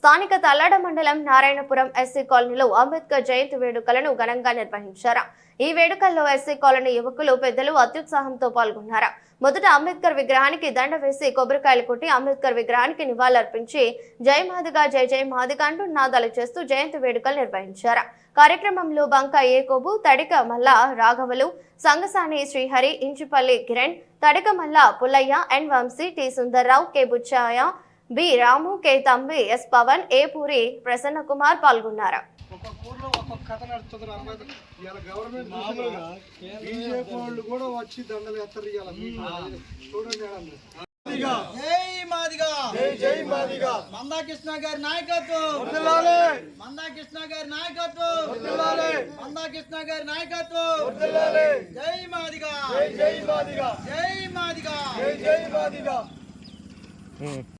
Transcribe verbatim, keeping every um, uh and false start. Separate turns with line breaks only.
స్థానిక తల్లాడ మండలం నారాయణపురం ఎస్సీ కాలనీలో అంబేద్కర్ జయంతి వేడుకలను ఘనంగా నిర్వహించారు. ఈ వేడుకల్లో ఎస్సీ కాలనీ యువకులు పెద్దలు అత్యుత్సాహంతో పాల్గొన్నారు. మొదట అంబేద్కర్ విగ్రహానికి దండ వేసి కొబ్బరికాయలు కొట్టి అంబేద్కర్ విగ్రహానికి నివాళులర్పించి జై మాదిగా జై జై మాదిగా అంటూ నాదాలు చేస్తూ జయంతి వేడుకలు నిర్వహించారు. కార్యక్రమంలో బంక ఏకోబు, తడిక మల్ల రాఘవలు, సంగసాని Srihari, ఇంచుపల్లి Kiran, Tadika Malla Pullaiah, N Vamsi, T Sundarrao, K Buchaiah, B Ramu, K Thambi, S Pavan, A Puri, Prasanna Kumar పాల్గొన్నారు.
మందాకృష్ణ గారి నాయకత్వం, మందాకృష్ణ గారి నాయకత్వం, మందాకృష్ణ గారి నాయకత్వం. జై మాదిగా, జై మాదిగా, జై మాదిగా, జై మాదిగా.